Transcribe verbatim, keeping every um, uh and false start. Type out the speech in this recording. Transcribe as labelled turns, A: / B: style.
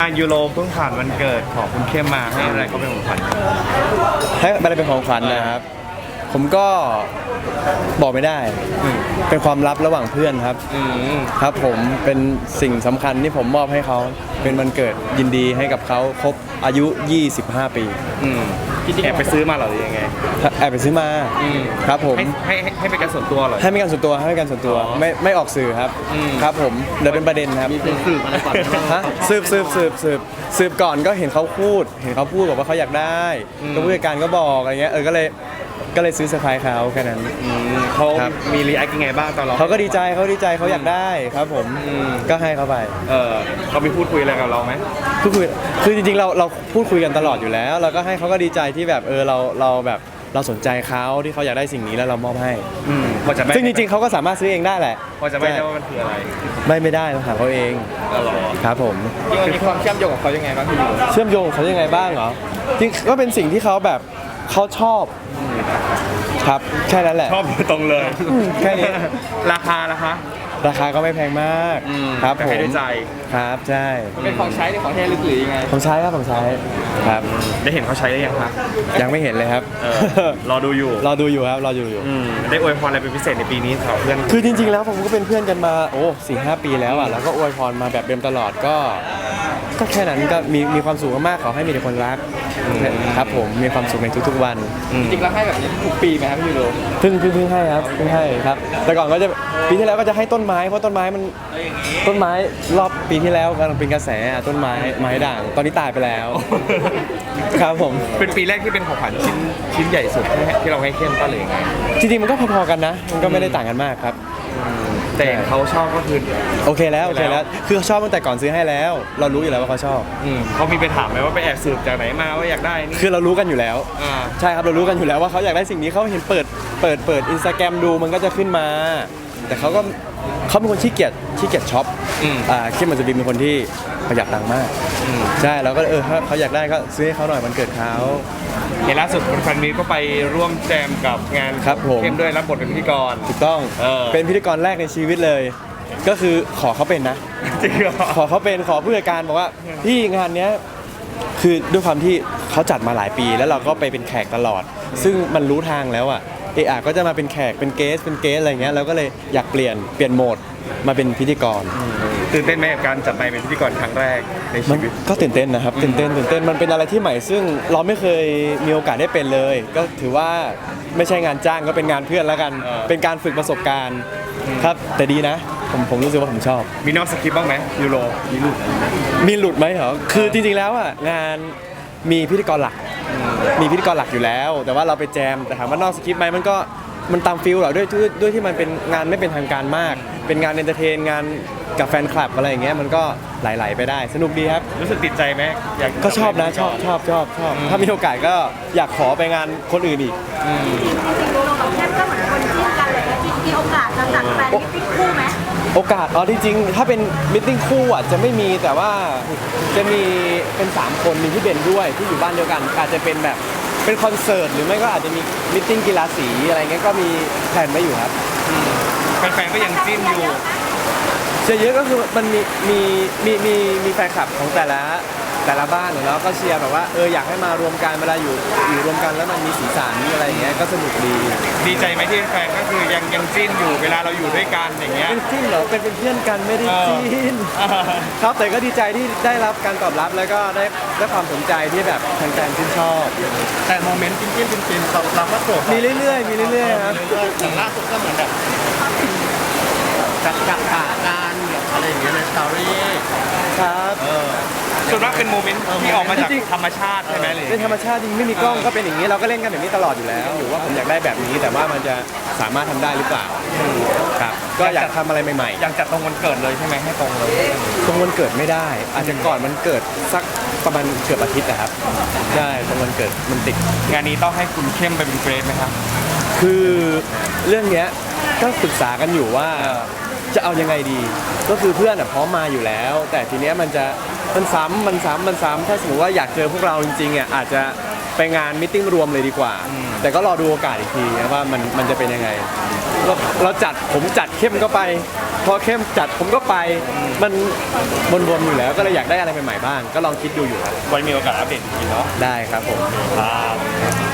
A: ยูโรเพิ่งผ่านวันเกิดของคุณเข้มมาให้อะไรก็เป็นของขวัญ
B: ให้อะไรเป็นของขวัญนะครับ ผมก็บอกไม่ได้เป็นความลับระหว่างเพื่อนครับครับผมเป็นสิ่งสำคัญที่ผมมอบให้เขาเป็นวันเกิดยินดีให้กับเขาครบอายุยี่สิบห้าปี
A: แอบไปซื้อมาหรอหรือยังไง
B: แอบไปซื้อมาครับผม
A: ให้ให้ให้เป็นการส่วนตัวเหรอ
B: ให้เป็นการส่วนตัวให้เป็นการส่วนตัวไม่ไม่ออกสื่อครับครับผมเดี๋ยวเป็นประเด็นครับ
A: สืบอะไรก่อน
B: ฮะสืบสืบสืบสืบสืบก่อนก็เห็นเขาพูดเห็นเขาพูดบอกว่าเขาอยากได้ก็ผู้จัดการก็บอกอะไรเงี้ยเออก็เลยก็เลยซื้อเซอร์ไพรส์เขาแค่นั้น
A: เขามีรีแอคยังไงบ้างตอนเรา
B: เขาก็ดีใจเขาดีใจเขาอยากได้ครับผมก็ให้เขาไป
A: เออเขามีพูดคุยอะไรกับเราไหม
B: พูดคุยคือจริงๆเราเราพูดคุยกันตลอดอยู่แล้วเราก็ให้เขาก็ดีใจที่แบบเออเราเราแบบเราสนใจเขาที่เขาอยากได้สิ่งนี้แล้วเรามอบให้ซึ่งจริงๆเขาก็สามารถซื้อเองได้แหละ
A: พอจะไม่ได้ว่ามันคืออะไร
B: ไม่ไม่ได้เราถามเขาเองครับผม
A: มีความเชื่อมโยงกับเขายังไงบ้างพี่ยู
B: เชื่อมโยงเขายังไงบ้างเหรอจริงก็เป็นสิ่งที่เขาแบบเขาชอบครับแค่นั้นแหละ
A: ชอบตรงเลย
B: แค่นี้
A: ราคาราคา
B: ราคาก็ไม่แพงมากครับผม
A: ด้วยใจ
B: ครับใช่
A: เป็นของใช้หรือของแท้หรือยังไง
B: ของใช้ครับของใช้ครับ
A: ได้เห็นเขาใช้ได้ยังครับ
B: ยังไม่เห็นเลยครับ
A: รอดูอยู่
B: รอดูอยู่ครับรอดูอยู่
A: ได้อวยพรอะไรเป็นพิเศษในปีนี้สำหรับเพื่อน
B: คือจริงๆแล้วผมก็เป็นเพื่อนกันมาโอ้สี่ห้าปีแล้วอ่ะแล้วก็อวยพรมาแบบเดิมตลอดก็ก็แค่นั้นก็มีมีความสุขมากๆขอให้มีแต่คนรักครับผมมีความสุขในทุกๆวัน
A: จริงๆแล้วให้แบบนี้ทุกปีไหมครับพี่ยูโร
B: เพิ่งเพิ่งเพิ่งให้ครับเพิ่งให้ครับแต่ก่อนก็จะปีที่แล้วก็จะให้ต้นไม้เพราะต้นไม้มันต้นไม้รอบปีที่แล้วกำลังเป็นกระแสต้นไม้ไม้ด่างตอนนี้ตายไปแล้วครับผม
A: เป็นปีแรกที่เป็นของขวัญชิ้นชิ้นใหญ่สุดที่เราให้เข้มก็เลยไง
B: จริงๆมันก็พอๆกันนะมันก็ไม่ได้ต่างกันมากครับ
A: แต่เขาชอบก็คือ
B: โอเคแล้วโอเคแล้วคือชอบตั้งแต่ก่อนซื้อให้แล้วเรารู้อยู่แล้วว่าเขาชอบ
A: เขามีไปถามไหมว่าไปแอบสืบจากไหนมาว่าอยากได้นี่
B: คือเรารู้กันอยู่แล้วใช่ครับเรารู้กันอยู่แล้วว่าเขาอยากได้สิ่งนี้เขาเห็นเปิดเปิดเปิดอินสตาแกรมดูมันก็จะขึ้นมาแต่เขาก็เขาเป็นคนขี้เกียจขี้เกียจช็อปอ่าเข้มมันจะเป็นคนที่ประหยัดตังค์มากใช่เราก็เออถ้าเขาอยากได้ก็ซื้อให้เขาหน่อยมันเกิดเขา
A: เห็นล่าสุดคุณฟันมีก็ไปร่วมแจมกับงานเข้มด้วยรับบทเป็นพิธีกร
B: ถูกต้องเป็นพิธีกรแรกในชีวิตเลยก็คือขอเขาเป็นนะ
A: จริงเหรอ
B: ขอเขาเป็นขอผู้จัดการบอกว่าพี่งานเนี้ยคือด้วยความที่เขาจัดมาหลายปีแล้วเราก็ไปเป็นแขกตลอดซึ่งมันรู้ทางแล้วอ่ะเออก็จะมาเป็นแขกเป็นเกสเป็นเกสอะไรเงี้ยเราก็เลยอยากเปลี่ยนเปลี่ยนโหมดมาเป็นพิธีกร
A: ตื่นเต้นไหมกับการจัดไปเป็นพิธีกรครั้งแรกในชีวิต
B: ก็ตื่นเต้นนะครับตื่นเต้นตื่นเต้นมันเป็นอะไรที่ใหม่ซึ่งเราไม่เคยมีโอกาสได้เป็นเลยก็ถือว่าไม่ใช่งานจ้างก็เป็นงานเพื่อนแล้วกันเป็นการฝึกประสบการณ์ครับแต่ดีนะผมผมรู้สึกว่าผมชอบ
A: มีนอกสคริปต์บ้างไหมยูโรมีหลุด
B: มีหลุดไหมเหรอคือจริงๆแล้วอ่ะงานมีพิธีกรหลักมีพิธีกรหลักอยู่แล้วแต่ว่าเราไปแจมแต่ถามว่านอกสคริปต์ไหมมันก็มันตามฟิลเหรอด้วยด้วยที่มันเป็นงานไม่เป็นทางการมากเป็นงานเอนเตอร์เทนงานกับแฟนคลับอะไรอย่างเงี้ยมันก็ไหลๆไปได้สนุกดีครับ
A: รู้สึกติดใจไหม
B: อยากก็ชอบนะชอบชอบชอบชอบถ้ามีโอกาสก็อยากขอไปงานคนอื่นอีก
C: เราแค่ก็เหมือนคนจิ้นกันเลยมีโอกาสจะจัดแฟนมิตติ้งคู่ไหม
B: โอกาสอ๋อที่จริงถ้าเป็นมิทติ้งคู่อ่ะจะไม่มีแต่ว่าจะมีเป็นสามคนมีพี่เบนด้วยที่อยู่บ้านเดียวกันอาจจะเป็นแบบเป็นคอนเสิร์ตหรือไม่ก็อาจจะมีมิทติ้งกีฬาสีอะไรเงี้ยก็มีแผนไว้อยู่ครับ
A: แฟนๆก็ยังจิ้นอยู่
B: เชียร์เยอะก็คือมันมีมีมีมีมีแฟนคลับของแต่ละแต่ละบ้านแล้วก็เชียร์แบบว่าเอออยากให้มารวมกันเวลาอยู่อยู่รวมกันแล้วมันมีสีสันมีอะไรอย่างเงี้ยก็สนุกดี
A: ดีใจไหมที่แฟนก็คือยังยังจิ้นอยู่เวลาเราอยู่ด้วยกันอย่างเงี้ย
B: เป็นจิ้นเหรอเป็นเป็นเพื่อนกันไม่ได้จิ้นครับแต่ก็ดีใจที่ได้รับการตอบรับแล้วก็ได้ได้ความสนใจที่แบบแฟนๆชื่นชอบ
A: แต่โมเมนต์จิ้นจิ้นจิ้นๆเราก็โสด
B: มีเรื่อยๆมีเรื่อยๆครับ
A: อย่างล่าสุดก็เหมือนแบบจัดจัดฉากการอะไรอย่างเงี้ยในสตอรี่
B: ครับ
A: ส่วนมากเป็นโมเมนต์ที่ออกมาจากธรรมชาติใช่ไหมเลย
B: เป็นธรรมชาติจริงไม่มีกล้องก็เป็นอย่างนี้เราก็เล่นกันแบบนี้ตลอดอยู่แล้วอยู่ว่าผมอยากได้แบบนี้แต่ว่ามันจะสามารถทำได้หรือเปล่าครับก็อยากทำอะไรใหม่ๆ
A: อยากจัดตรงวันเกิดเลยใช่ไหมให้ตรงเลย
B: ตรงวันเกิดไม่ได้อาจจะก่อนมันเกิดสักประมาณเกือบอาทิตย์นะครับใช่ตรงวันเกิดมันติด
A: งานนี้ต้องให้คุณเข้มไปเป็นเกรดไหมครับ
B: คือเรื่องเนี้ยก็ปรึกษากันอยู่ว่าจะเอายังไงดีก็คือเพื่อนอ่ะพร้อมมาอยู่แล้วแต่ทีเนี้ยมันจะมันซ้ำมันซ้ำมันซ้ำถ้าสมมติว่าอยากเจอพวกเราจริงๆอ่ะอาจจะไปงานมิทติ้งรวมเลยดีกว่าแต่ก็รอดูโอกาสอีกทีนะว่ามันมันจะเป็นยังไงเราจัดผมจัดเข้มก็ไปพอเข้มจัดผมก็ไปมันวนๆอยู่แล้วก็เลยอยากได้อะไรใหม่ๆบ้างก็ลองคิดดูอยู่ครับ
D: ไว้มีโอกาสอัปเดตอีกทีเนาะ
B: ได้ครับผม
D: ครับ